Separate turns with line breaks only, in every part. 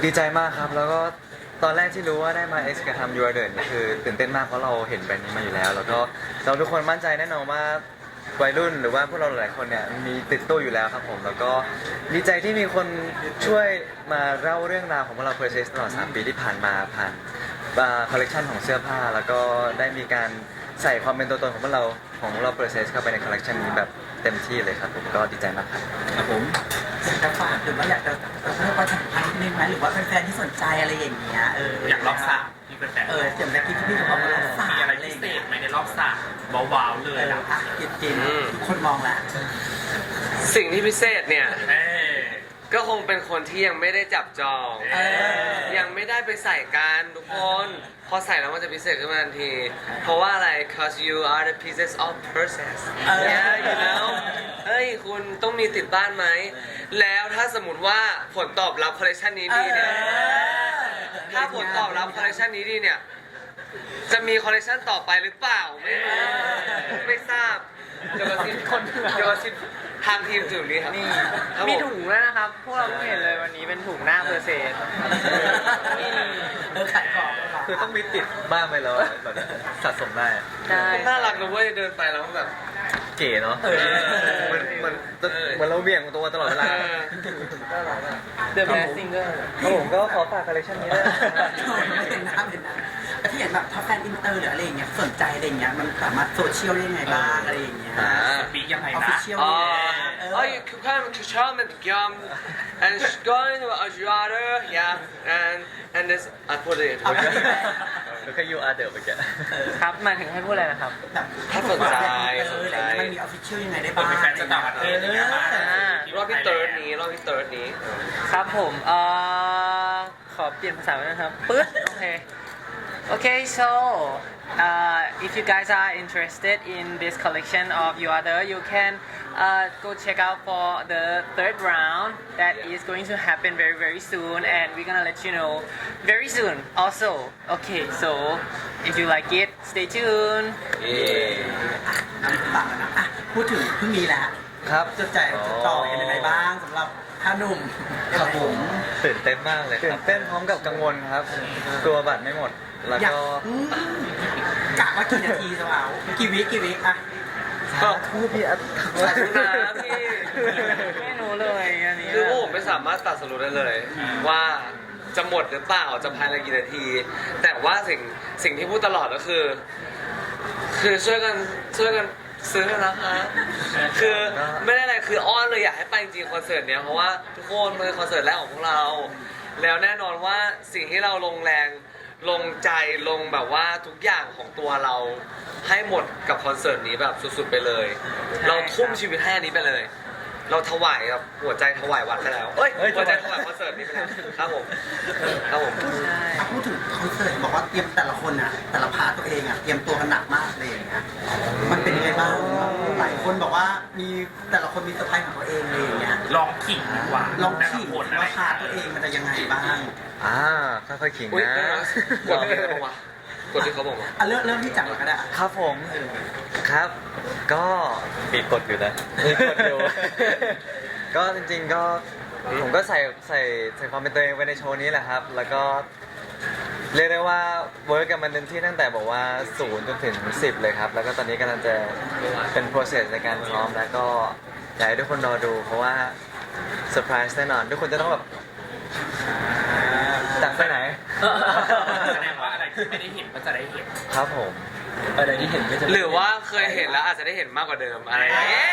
ดีใจมากครับแล้วก็ตอนแรกที่รู้ว่าได้มา X กับทำ You Are The นี่คือตื่นเต้นมากเพราะเราเห็นแบรนด์นี้มาอยู่แล้ว แล้วก็เราทุกคนมั่นใจแน่นอนว่าวัยรุ่นหรือว่าพวกเราหลายคนเนี่ยมีติดตู้อยู่แล้วครับผมแล้วก็ดีใจที่มีคนช่วยมาเล่าเรื่องราวของพวกเรา Process ตลอด3 ปีที่ผ่านมาผ่านคอลเลกชันของเสื้อผ้าแล้วก็ได้มีการใส่ความเป็นตัวตนของพวกเรา Process เข้าไปในคอลเลกชันนี้แบบเต็มที่เลยครับผมก็ดีใจมากครับ
ครับผมอยากจะฝากหรือว่าอยากจะเพิ่มประชาสัมพันธ์นิดนึงไหมหรือว่าแฟนๆที่สนใจอะไรอย่างเงี้ย
อยากรอบสระที่เป็นแบบ
เสียงแบบที่พี่เขาบอกว่ารอบสระ
มีอะไรพิเศษไหมในรอบสระว้าวๆเลย
อ่ะกินทุกคนมองละ
สิ่งที่พิเศษเนี่ย
เอ้ย
ก็คงเป็นคนที่ยังไม่ได้จับจอง ยังไม่ได้ไปใส่กันทุกคน พอใส่แล้วมันจะพิเศษขึ้นมาทันที เพราะว่าอะไร cause you are the pieces of process yeah you know เฮ้ยคุณต้องมีติดบ้านไหม แล้วถ้าสมมติว่าผลตอบรับคอลเลคชันนี้ดีเนี่ย ถ้าผลตอบรับคอลเลคชันนี้ดีเนี่ย จะมีคอลเลคชันต่อไปหรือเปล่า ไม่รู้ ไม่ทราบเดี๋ยวกระซิบทางทีมถึงนี้ครับ ครับผ
มีถุงด้วยนะครับ พวกเราเพิ่งเห็นเลยวันนี้เป็นถุงหน้าเพอร์เซส
ขายของ
คือต้องมีติดบ้างไปแล้วแบบสะสมได้
ใช่
น่ารักนะเว้ยเดินไปแล้วแบบ
เก๋เนาะเหมือนเราเบี่ยงตัวตลอดเวลา
เดอะแมสซิงเกอร์
ครับผมก็ขอฝากคอลเลคชันนี้ด้วยนะครับ
ไม่เป็นน้ำแต่ที่เห็นแบบถ้าแฟนอินเตอร์หรืออะไรอย่างเงี้ยสนใจอะไรอย่างเงี้ยมันสามารถโซเชียลได้ยังไงบ้างอะไรอย่างเงี้ย
ปีกยังไง
ออฟฟิ
นะ
เชียล
Oh, you can come to Charlotte and going to Ajuada, yeah, and this I put it.
แล้วก็ยูอาร์เดิร์ไปแก
ครับหมายถึงให้พูดอะไรนะครับ
แบบ
ถ้าสนใจ
มันมีออฟฟิเชียลยังไงได้
เปิ
บ้า
ด
ง
เป็นแฟนจากต่างประเทศอย่างเงี้ยมาร
อบที่เติร์ดนี้
ครับผมขอเปลี่ยนภาษาไปนะครับปึ๊ดโอเค Okay, so if you guys are interested in this collection of You Other, you can go check out for the third round that is going to happen very very soon, and we're gonna let you know very soon. Also, okay, so if you like it, stay tuned.
ต่างกันนะอ่ะพูดถึงเพิ่งมีแล้ว
ครับ
จะแจกจะต่อยังไงบ้างสำหรับท่านุ่ม
ครับผมตื่นเต้นมากเลยตื่นเต้นพร้อมกับกังวลครับกลัวบัตรไม่หมดแล้ว
อยาก
ก็
กะว่ากี่นาทีจะเอากี่วิอ่ะ
ก็
พูดพี่อัด
ขอบคุณนะพี่
ไม่รู้เลยอันนี้
คือพวกผมไม่สามารถตัดสรุปได้เลย ว่าจะหมดหรือเปล่าจะภายในกี่นาที แต่ว่าสิ่งที่พูดตลอดก็คือช่วยกันซื้อกันนะคะคือไม่ได้อะไรคืออ้อนเลยอยากให้ไปจริงๆคอนเสิร์ตเนี้ยเพราะว่าทุกคนมันเป็นคอนเสิร์ตแรกของพวกเรา แล้วแน่นอนว่าสิ่งที่เราลงแรงลงใจลงแบบว่าทุกอย่างของตัวเราให้หมดกับคอนเสิร์ตนี้แบบสุดๆไปเลย เราทุ่มชีวิตให้อันนี้ไปเลย เราถวายกับหัวใจถวายวัดไปแล้วเอ้ยหัวใจถวายคอนเสิร์ตนี้ไปแล้วครับผมครับผม
พูดถึงคอนเสิร์ตบอกว่าเตรียมแต่ละคนอ่ะแต่ละพาร์ทตัวเองอ่ะเตรียมตัวกันหนักมากเลยอย่างเงี้ยมันเป็นยังไงบ้างหลายคนบอกว่ามีแต่ละคนมีเซอร์ไพรส์ของตัวเองเลยอย่างเงี้ย
ลองขิงดีกว่า
ลองขีด
แต่ละคนอะไร
ว่าพาร์ทตัวเองมันจะยังไงบ้าง
ค่อยๆขิง
อุ๊ย
นะ
กดที่เขาบอกว่ากดที่เขาบอกว่า
อ่ะเริ่มที่จับก่อนก็ได้อ่ะ
ครับผมครับ ก็มีกดอยู่นะมีกดอยู่ ก็จริงๆก็ผมก็ใส่ความเป็นตัวเองไว้ในโชว์นี้แหละครับ แล้วก็เรียกได้ว่าเวิร์กกันมันเต็มที่ตั้งแต่บอกว่า0จนถึง10เลยครับ แล้วก็ตอนนี้กำลังจะเป็น process ในการซ้อมแล้วก็อยากให้ทุกคนรอดู เพราะว่าเซอร์ไพรส์แน่นอน ทุกคนจะต้องแบบจากไปไหน
แสดงว่าอะไรที่ไม่ได้เห็นก็จะได้เห็น
ครับผมอะไรที่เห็นก็จะ
หรือว่าเคยเห็นแล้วอาจจะได้เห็นมากกว่าเดิมอะไรอย่างเงี้ย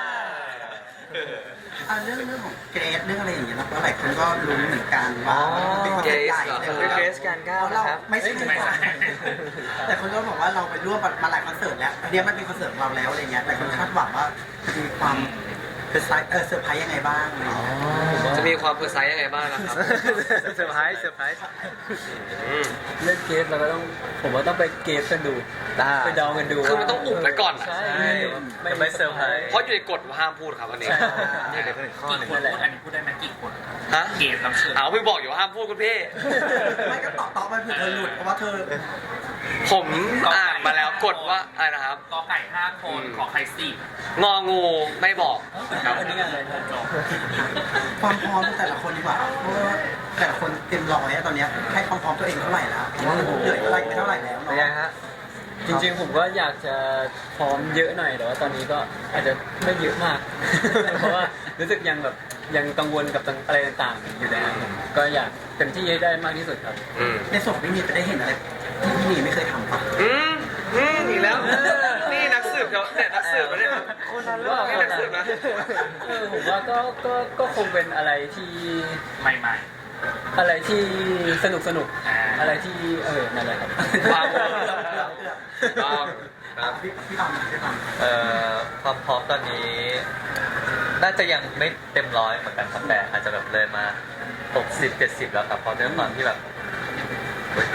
เรื่องของเกรดเรื่องอะไรอย่างเงี้ยแล้วหลายคนก็รู้เหมือนกันว่าเป็นคนใหญ่
คือเกรซการก้าวนะครับ
ไม่ใช่แต่คนก็บอกว่าเราไปร่วมมาหลายคอนเสิร์ตแล้วอันนี้มันเป็นคอนเสิร์ตของเราแล้วอะไรเงี้ยแต่คนคาดหวังว่าจะมีความเซอร์ไพรส์ยังไงบ้างอะไรเงี้ย
จะมีความเพอร์ไซส์ยังไงบ้างนะครับ
เซอร์ไพรส์
เล่นเกมเราก็ต้องผมว่าต้องไปเกมกันดูไปเดากันดู
คือมันต้องอุบไว้ก่อนอะ
ใช่
ไม่เซอร์ไพรส์
เพราะอยู่ในกฎว่าห้ามพูดครับอันนี้
นี่เดี๋ยวเป็นอีกข้อห
กี่
นึ่ง
คนพูดอันนี้พูดได้ไหมกี่คน
ฮะ
เกมรับเชิญ
เอาพี่บอกอยู่ว่าห้ามพูดคุณพี่
ไม่ก็ตอบไปเผื่อเธอหลุดเพราะว่าเธอ
ผมอ่านมาแล้วกฎว่าอะไรนะครับ
กอไก่5 คนขอไข่10
งองูไม่บอกครับ
อันนี้อะไร
จบ
ความพร้อมของแต่ละคนดีกว่าเพราะว่าแต่ละคนเต็มร้อยอะตอนเนี้ยให้ความพร้อมตัวเองเท่าไหร่แล้วว่าเหลืออะไรไม่เท่าไหร่แล้ว
เป็นไง
เนาะ
ฮะ
จริงๆผมก็อยากจะพร้อมเยอะหน่อยแต่ว่าตอนนี้ก็อาจจะไม่เยอะมาก เพราะว่ารู้สึกยังแบบยังกังวลกับอะไรต่างๆอยู่แล้วก็อยากเต็มที่ให้ได้มากที่สุดครับ
ในส่วนของพี่มีจะได้เห็นอะไรที่พี่มีไม่เคยทำปะ
อีกแล้ว นี่นักสืบเขาเนี่ยนักสืบมาเนี่ย
คนนั้นหรือเปล่า
นี่นักสืบนะ
ผมว่าก็คงเป็นอะไรที่
ใหม่
อะไรที่สนุกอะไรที่นั่นแหละครับ
ว้าวต้องครับ
พี่ตามพี่ตาม
ความพร้อมตอนนี้ น่าจะยังไม่เต็มร้อยเหมือนกันครับแต่อาจจะแบบเลยมา60-70แล้วครับเพราะด้วยความที่แบบเฮ้ย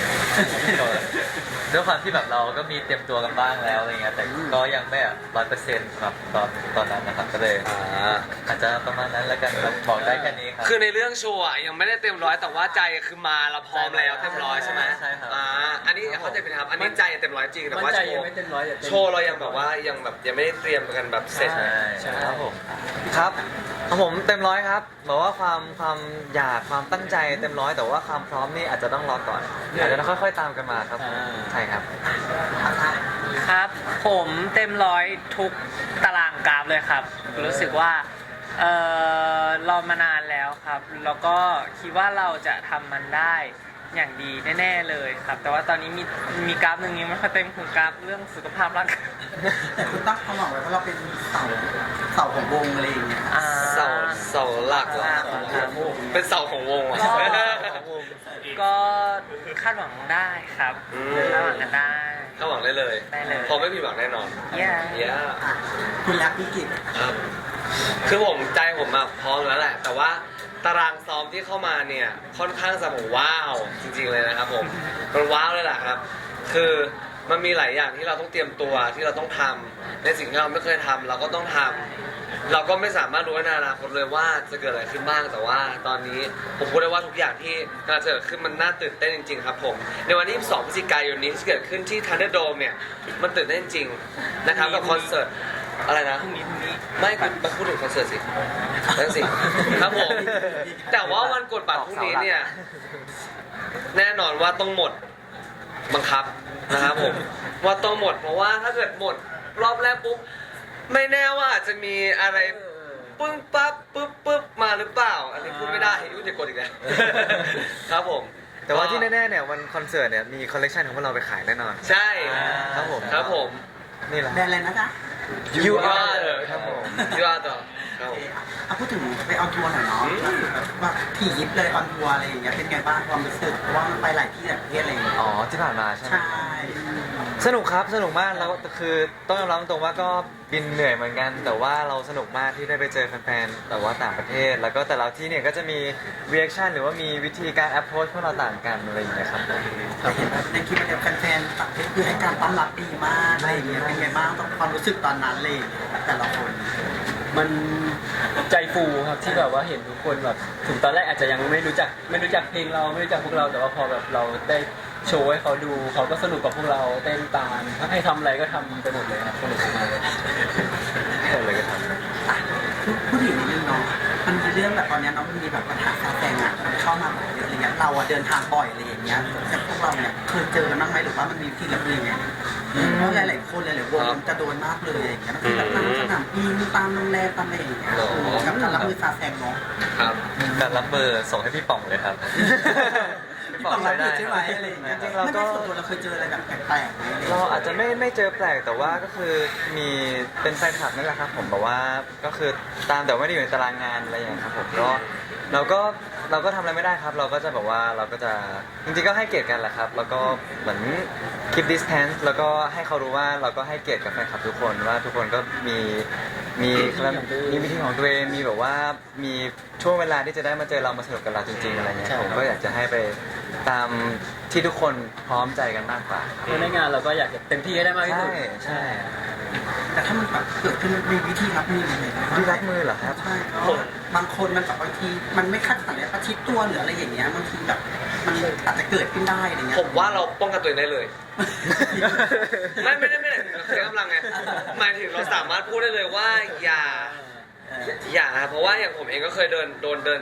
ด้วยความที่แบบเราก็มีเตรียมตัวกันบ้างแล้วอะไรเงี้ยแต่ก็ยังไม่100%ครับตอนนั้นนะครับก็เลยอาจจะประมาณนั้นแล้วกันครับบอกได้แค่นี้ครับ
คือในเรื่องโชว์อะยังไม่ได้เต็มร้อยแต่ว่าใจคือมาเราพร้อมแล้วเต็มร้อยใช่ไหม
ใช่ครับ
อันนี้เข้าใจผิดนะครับอันนี้ใจเต็มร้อยจริงแต่
มั่น
ว่า
ใจ
โช
ยัง
ว์
ไม่เต็มร้อยแต่เต็ม
โชว์เรายังแบบว่ายังไม่ได้เตรียมกันแบบเสร็จ
ใช่ครับผมครับของผมเต็มร้อยครับบอกว่าความอยากความตั้งใจเต็มร้อยแต่ว่าความพร้อมนี่อาจจะต้องรอก่อนอาจจะต้องค่อยๆตามกันมาครับใช่ครับ
ครับผมเต็มร้อยทุกตารางกราฟเลยครับ รู้สึกว่ารอมานานแล้วครับ แล้วก็คิดว่าเราจะทำมันได้อย่างดีแน่ๆเลยครับ แต่ว่าตอนนี้มีกราฟหนึ่งยังไม่ค่อยเต็มคือกราฟเรื่องสุขภาพร่างกาย
แต่คุณตั้งความหวังไว้ว่าเราเป็นเสาของวงอะไรอย่างเงี้ย
เสาหลักเหรอเป็นเสาของวงอะ
ก็คาดหวังได้ครับ
อืม
คาดหวังกันได้
ถ้าหวังได้เลย
ได้เลย
พอไม่ผิดหวังแน่นอน
เย้
เย้
อ่ะคุณรักพี่กิจ
ครับ คือผมใจผมอะพร้อมแล้วแหละ แต่ว่าตารางซ้อมที่เข้ามาเนี่ยค่อนข้างจะแบบว้าวจริงๆเลยนะครับผมมันว้าวเลยแหละครับ คือมันมีหลายอย่างที่เราต้องเตรียมตัวที่เราต้องทำในสิ่งที่เราไม่เคยทำเราก็ต้องทำเราก็ไม่สามารถรู้ในอนาคตเลยว่าจะเกิดอะไรขึ้นบ้างแต่ว่าตอนนี้ผมพูดได้ว่าทุกอย่างที่กำลังจะเกิดขึ้นมันน่าตื่นเต้นจริงๆครับผมในวันที่22พฤศจิกายนนี้ที่เกิดขึ้นที่ Thunderdome เนี่ยมันตื่นเต้นจริงๆนะครับกับคอนเสิร์ตอะไรนะ
พรุ่งนี้
ไม่คุณมาพูดถึงคอนเสิร์ตสินั่นสิ ครับผม แต่ว่าวันกดบัตรพรุ่งนี้เนี่ย แน่นอนว่าต้องหมดบังคับนะครับผม ว่าต้องหมดเพราะว่าถ้าเกิดหมดรอบแรกปุ๊บ ไม่แน่ว่าอาจจะมีอะไรปึ้งปั๊บปึ๊บมาหรือเปล่า อันนี้พูดไม่ได้ยุ่งจะกดอีกแล้ว ครับผม
แต่ว่าที่แน่ๆเนี่ยวันคอนเสิร์ตเนี่ยมีคอลเลกชันของพวกเราไปขายแน่นอน
ใช่
ครับผม
ครับผม
นี่แหละ
แบรนด์อะไรนะจ๊ะ
You
are
are
the
ครับผม
You are the ครับผม
เอาพูดถึงไปออนทัวร์หน่อยเนาะว่าถี่ยิบเลยออนทัวร์อะไรอย่างเงี้ยเป็นไงบ้างความรู้สึกเพราะว่ามันไปหลายที่หลายประเทศอะไรอย่างเงี้ย
อ๋อที่ผ่านมาใช่ไหม
ใช่
สนุกครับสนุกมากแล้วคือต้องยอมรับตรงว่าก็บินเหนื่อยเหมือนกัน แต่ว่าเราสนุกมากที่ได้ไปเจอแฟนๆแต่ว่าต่างประเทศ แล้วก็แต่ละที่เนี่ยก็จะมี reaction หรือว่ามีวิธีการ approach พวกเราต่างกันอะไรอย่างเงี้ยครับ
แต่เห็นว่าในคลิปเนี่ยแฟนๆต่างประเทศคือให้การต้อนรับดีมากอะไรอย่างเงี้ยเป็นไงบ้างกับความรู้สึกตอนนั้นเลยแต่ละคน
มันใจฟูครับที่แบบว่าเห็นทุกคนแบบถึงตอนแรกอาจจะยังไม่รู้จักเพลงเราไม่รู้จักพวกเราแต่ว่าพอแบบเราได้โชว์ให้เขาดูเขาก็สนุกกับพวกเราเต้นตามถ้าให้ทำอะไรก็ทำไปหมดเลยครับสนุกมากเลย
อะไรก็ทำ
อ่ะพูดถึงนิดนึงเนาะมันมีเรื่องแบบตอนเนี้ยเนาะมันมีแบบปัญหาการแต่งอ่ะมันเข้ามาแบบเยอะอะไรเงี้ยเราอะเดินทางบ่อยอะไรอย่างเงี้ยแต่พวกเราเนี่ยเคยเจอกันบ้างไหมหรือว่ามันมีวิธีรับมือยังไงเพราะหลายๆคนหลายๆวงมันจะโดนมากเลยอย่างเงี้ยมันคือแบบตามสนามบินตามโรงแรมตามอะไรอย่างเงี้ยกับการรับมือซาแซงเนาะ
ครับ
การรับเบอร์ส่งให้พี่ป๋องเลยครับ
พี่ป๋องรับมือใช่ไหมอะไรอย่างเงี้ย
จริงๆเรา
ไม่
ก็
ได้ส่วนตัวเราเคยเจออะไรแบบแปลกๆไหม
เราอาจจะไม่เจอแปลกแต่ว่าก็คือมีเป็นแฟนคลับนั่นแหละครับผมแบบว่าก็คือตามแต่ไม่ได้อยู่ในตารางงานอะไรอย่างเงี้ยครับผมก็เราก็ทำอะไรไม่ได้ครับ เราก็จะแบบว่าเราก็จะจริงๆก็ให้เกียรติกันแหละครับ แล้วก็เหมือน keep distance แล้วก็ให้เขารู้ว่าเราก็ให้เกียรติกับแฟนคลับทุกคนว่าทุกคนก็มีวิธีของตัวเองมีแบบว่ามีช่วงเวลาที่จะได้มาเจอเรามาสนุกกับเราจริงๆอะไรเงี้ยผมก็อยากจะให้ไปตามที่ทุกคนพร้อมใจกันมากกว่า
เพราะในงานเราก็อยากจะเต็มที่ให้ได้มากที่สุด
ใช่
แต่ถ้ามันแบบเกิดขึ้นมีวิธีรับมือยังไง
ที่รักมือเหรอครับ
ใช่เพราะบางคนมันแบบบางทีมันไม่คาดฝันเลยประชิดตัวหรืออะไรอย่างเงี้ยบางทีแบบมันอาจจะเกิดขึ้นได้อะไรเงี้ย
ผมว่าเราป้องกันตัวเองได้เลย ไม่ได้ใช้กำลังไงหมายถึงเราสามารถพูดได้เลยว่าอย่านะเพราะว่าอย่างผมเองก็เคยโดน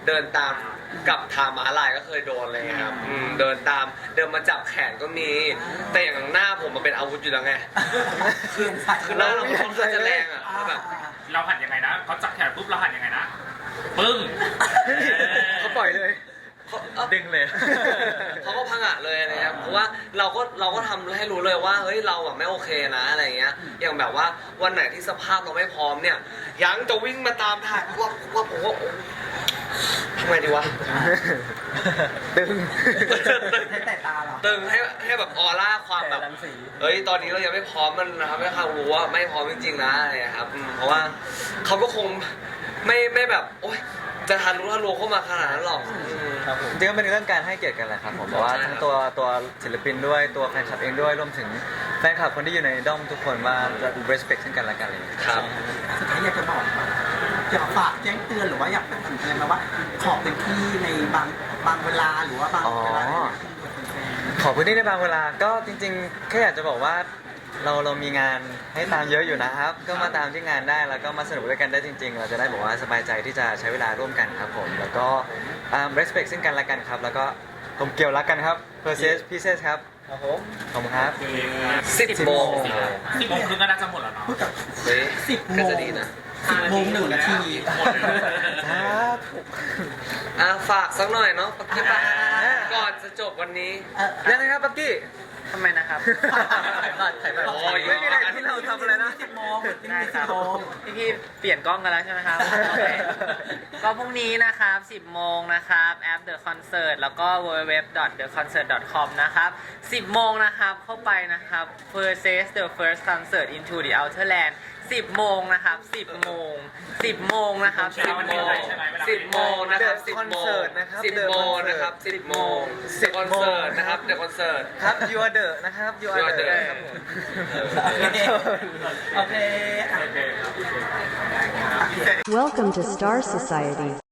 เดินตามกับทางม้าลายก็เคยโดนเลยครับเดินมาจับแขนก็มี แต่อย่างหน้าผมมันเป็นอาวุธอยู่แล้วไง คือหน้าเราค่อนข้างจะแรงอ่ะแล้วแบบ
เราหันยังไงนะเขาจับแขนปุ๊บเราหันยังไงนะปึ้ง
เขาปล่อยเลย ดึงเลย
เขาก็พังอะเลยนะครับเพราะว่าเราก็ทำให้รู้เลยว่าเฮ้ยเราแบบไม่โอเคนะอะไรเงี้ยอย่างแบบว่าวันไหนที่สภาพเราไม่พร้อมเนี่ยยังจะวิ่งมาตามถ่ายว่าผมว่าทำไมดีวะ
ดึง
ให้แต่ตาเหรอ
ตึงให้แบบออร่าความแบบ
แต่รังสี
เฮ้ยตอนนี้เรายังไม่พร้อมมันนะครับให้เขารู้ว่าไม่พร้อมจริงๆนะอะไรครับเพราะว่าเขาก็คงไม่แบบโอ๊ยจะทันรู้เข้ามาขนาดนั้นหรอก
ครับผม
จริงๆก็เป็นเรื่องการให้เกียรติกันแหละครับผมเพราะว่าทั้งตัวศิลปินด้วยตัวแฟนคลับเองด้วยรวมถึงแฟนคลับคนที่อยู่ในด้อมทุกคนว่าจะ respect ซึ่งกันและกันอะไรอย่างเลย
ครับ
สุดท้ายอยากจะบอกอยากฝากแจ้งเตือนหรือว่าอยากเป็นถึงอะไรมาว่าขอเป็นที่ในบางเวลาหรือว่าบางเวลาอะไรอย่างเงี้ย
ขอพื้นที่ในบางเวลาก็จริงๆแค่อยากจะบอกว่าเรามีงานให้ตามเยอะอยู่นะครับ ก็มาตามที่งานได้แล้วก็มาสนุกด้วยกันได้จริง ๆ เราจะได้บอกว่าสบายใจที่จะใช้เวลาร่วมกันครับผมแล้วก็respect ซึ่งกันและกันครับแล้วก็กลมเกลียวรักกันครับ Perseus Pieces ครับ
ครับผม
ขอบคุณครับ
10 โมง
10 โมงครึ่งก็น่าจะหมดแล้วเนาะ
พูดกับ
เฮ้ย
10 โม
ก็
ง
จะดีนะ
10:01 นาที
ครับ
ฝากสักหน่อยเนาะปักกี้ปะก่อนจะจบวันนี้
ยังไงครับปักกี้
ทำไมนะครับ
ถ่ายบัตร
โอ้ย
ไม่มีอะไรที่เราทำอะไรนะ
10 โมง
ได้ครับ
10 โมง
พี่เปลี่ยนกล้องกันแล้วใช่ไหมครับ โอเคก็พรุ่งนี้นะครับ 10 โมงนะครับแอป The Concert แล้วก็ www.theconcert.com นะครับ 10 โมงนะครับเข้าไปนะครับ Perseus the first concert into the outer land 10 โมงนะครับ 10 โมง 10 โมงนะครับ 10 โมง
10 โมงนะครับ
The
10 โมง
Concert นะครับ
10 โมงนะครับ 10 โมง The Concert นะครับ The Concert
ครับ You are the นะครับ You are
You are
the
the
ครับผม
โอเค
Welcome to Star Society.